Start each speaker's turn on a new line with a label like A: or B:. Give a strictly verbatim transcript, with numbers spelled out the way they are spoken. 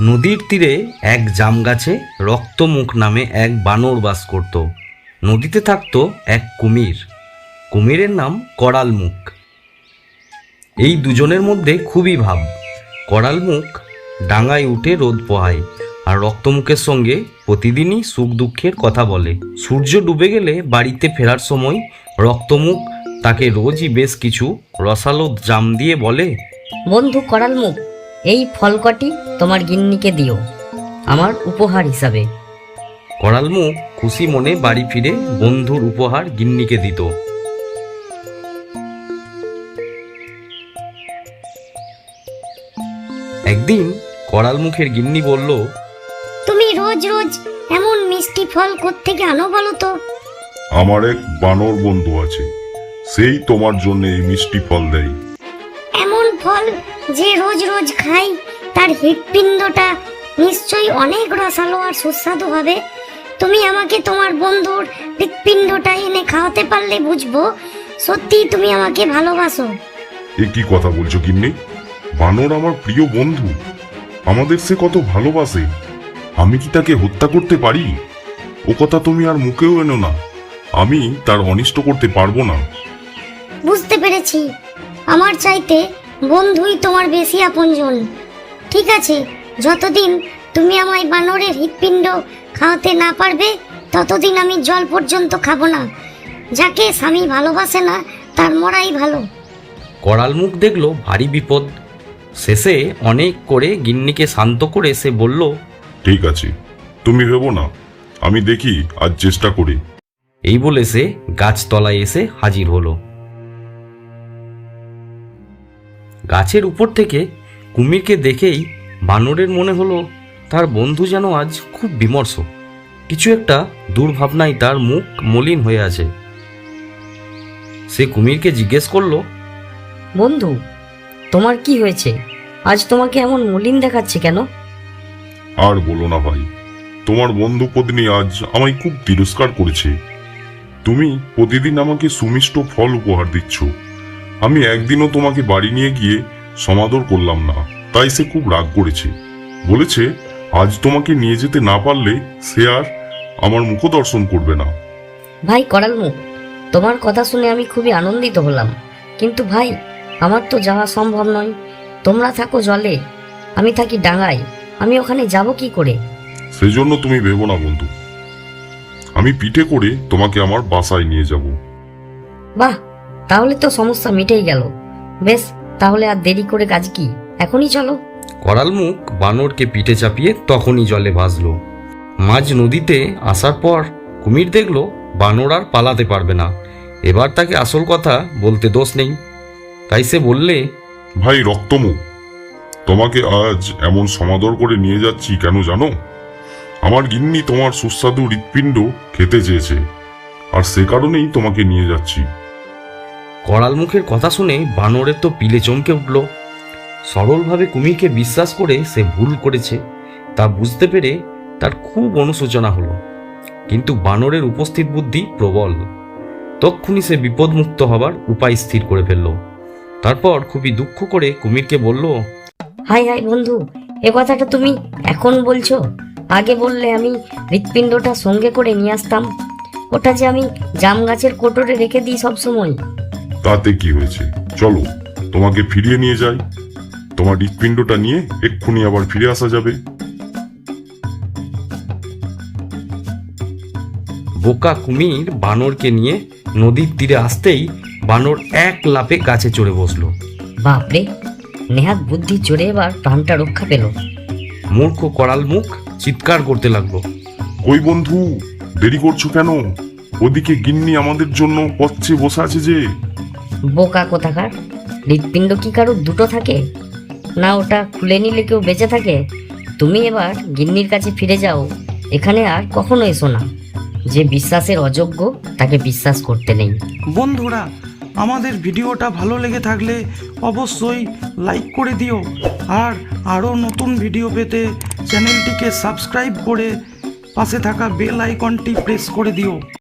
A: নদীর তীরে এক জাম গাছে রক্তমুখ নামে এক বানর বাস করত। নদীতে থাকত এক কুমির। কুমিরের নাম করালমুখ। এই দুজনের মধ্যে খুবই ভাব। করালমুখ ডাঙায় উঠে রোদ পোহায় আর রক্তমুখের সঙ্গে প্রতিদিনই সুখ দুঃখের কথা বলে। সূর্য ডুবে গেলে বাড়িতে ফেরার সময় রক্তমুখ তাকে রোজই বেশ কিছু রসালো জাম দিয়ে বলে,
B: বন্ধু করালমুখ, এই ফল কটি তোমার গিন্নিকে দিও আমার উপহার হিসাবে।
A: করালমুখ খুশি মনে বাড়ি ফিরে বন্ধুর উপহার গিন্নিকে দিত। একদিন করালমুখের গিন্নি বলল,
C: তুমি রোজ রোজ এমন মিষ্টি ফল কোত্থেকে আনো বলো তো?
D: আমার এক বানর বন্ধু আছে, সেই তোমার জন্য এই মিষ্টি ফল দেয়।
C: এমন ফল যে রোজ রোজ খাই তার হৃৎপিণ্ডটা নিশ্চয়ই অনেক রসালো আর সুস্বাদু হবে। তুমি আমাকে তোমার বন্ধুর হৃৎপিণ্ডটা এনে খাওয়াতে পারলে বুঝবো সত্যি তুমি আমাকে ভালোবাসো।
D: এ কি কথা বলছো গিন্নি? বানর আমার প্রিয় বন্ধু, আমাদের সে কত ভালোবাসে। আমি কি তাকে হত্যা করতে পারি? ও কথা তুমি আর মুখেও এনো না। আমি তার অনিষ্ট করতে পারবো না।
C: বুঝতে পেরেছি, আমার চাইতে বন্ধুই তোমার বেশি আপনজন। ঠিক আছে, যতদিন তুমি আমায় বানরের হৃৎপিণ্ড খাওয়াতে না পারবে ততদিন আমি জল পর্যন্ত খাবো না। যাকে স্বামী ভালোবাসে না তার মরাই ভালো।
A: করালমুখ দেখলো ভারী বিপদ। শেষে অনেক করে গিন্নিকে শান্ত করে সে বলল,
D: ঠিক আছে, তুমি ভেবো না, আমি দেখি আজ চেষ্টা করি।
A: এই বলে সে গাছতলায় এসে হাজির হলো। গাছের উপর থেকে কুমিরকে দেখেই বানরের মনে হলো তার বন্ধু যেন আজ খুব বিমর্ষ। কিছু একটা দুর্ভাবনায় তার মুখ মলিন হয়ে আছে। সে কুমিরকে জিজ্ঞেস করলো,
B: বন্ধু, তোমার কি হয়েছে? আজ তোমাকে এমন মলিন দেখাচ্ছে কেন?
D: আর বলো না ভাই, তোমার বন্ধু পত্নী আজ আমায় খুব তিরস্কার করেছে। তুমি প্রতিদিন আমাকে সুমিষ্ট ফল উপহার দিচ্ছ, আমি একদিনও তোমাকে বাড়ি নিয়ে গিয়ে সমাদর করলাম না, তাই সে খুব রাগ করেছে। বলেছে আজ তোমাকে নিয়ে যেতে না পারলে সে আর আমার মুখ দর্শন করবে না।
B: ভাই করালমুখ, তোমার কথা শুনে আমি খুবই আনন্দিত হলাম, কিন্তু ভাই আমার তো যাওয়া সম্ভব নয়। তোমরা থাকো জলে, আমি থাকি ডাঙায়, আমি ওখানে যাব কি করে?
D: সেজন্য তুমি ভেবো না বন্ধু, আমি পিঠে করে তোমাকে আমার বাসায় নিয়ে যাব।
B: বাহ, তাহলে তো সমস্যা মিটেই গেল। বেশ, তাহলে আর দেরি করে কাজ কি, এখনই চলো।
A: করালমুখ বানরকে পিঠে চাপিয়ে তখনই জলে ভাসলো। মাঝ নদীতে আসার পর কুমির দেখলো বানর আর পালাতে পারবে না। এবার তাকে আসল কথা বলতে দোষ নেই, তাই সে বললে,
D: ভাই রক্তমুখ, তোমাকে আজ এমন সমাদর করে নিয়ে যাচ্ছি কেন জানো? আমার গিন্নি তোমার সুস্বাদু হৃৎপিণ্ড খেতে চেয়েছে, আর সে কারণেই তোমাকে নিয়ে যাচ্ছি।
A: করালমুখের কথা শুনে বানরের তো পিলে চমকে উঠল। সরলভাবে কুমিরকে বিশ্বাস করে সে ভুল করেছে তা বুঝতে পেরে তার খুব অনুশোচনা হলো। কিন্তু বানরের উপস্থিত বুদ্ধি প্রবল। তক্ষুনি সে বিপদমুক্ত হবার উপায় স্থির করে ফেলল। তারপর খুবই দুঃখ করে কুমিরকে বলল,
B: হাই হাই বন্ধু, এ কথাটা তুমি এখন বলছো? আগে বললে আমি হৃৎপিণ্ডটা সঙ্গে করে নিয়ে আসতাম। ওটা যে আমি জাম গাছের কোটরে রেখে দিই সবসময়।
D: তাতে কি হয়েছে, চলো তোমাকে ফিরিয়ে নিয়ে যাই। তোমার হৃৎপিণ্ডটা নিয়ে এক্ষুনি আবার ফিরে আসা যাবে।
A: বোকা কুমির বানরকে নিয়ে নদীর তীরে আসতেই বানর এক লাফে গাছে চড়ে বসলো।
B: বাপরে, নেহাত বুদ্ধি চড়ে এবার প্রাণটা রক্ষা পেল।
A: মূর্খ করালমুখ চিৎকার করতে লাগলো,
D: কই বন্ধু, দেরি করছো কেন? ওদিকে গিন্নি আমাদের জন্য পথে বসে আছে যে।
B: বোকা কোথাকার, হৃৎপিণ্ড কি কারোর দুটো থাকে না? ওটা খুলে নিলে কেউ বেঁচে থাকে? তুমি এবার গিন্নির কাছে ফিরে যাও, এখানে আর কখনো এসো না। যে বিশ্বাসের অযোগ্য তাকে বিশ্বাস করতে নেই।
E: বন্ধুরা, আমাদের ভিডিওটা ভালো লেগে থাকলে অবশ্যই লাইক করে দিও, আর আরও নতুন ভিডিও পেতে চ্যানেলটিকে সাবস্ক্রাইব করে পাশে থাকা বেল আইকনটি প্রেস করে দিও।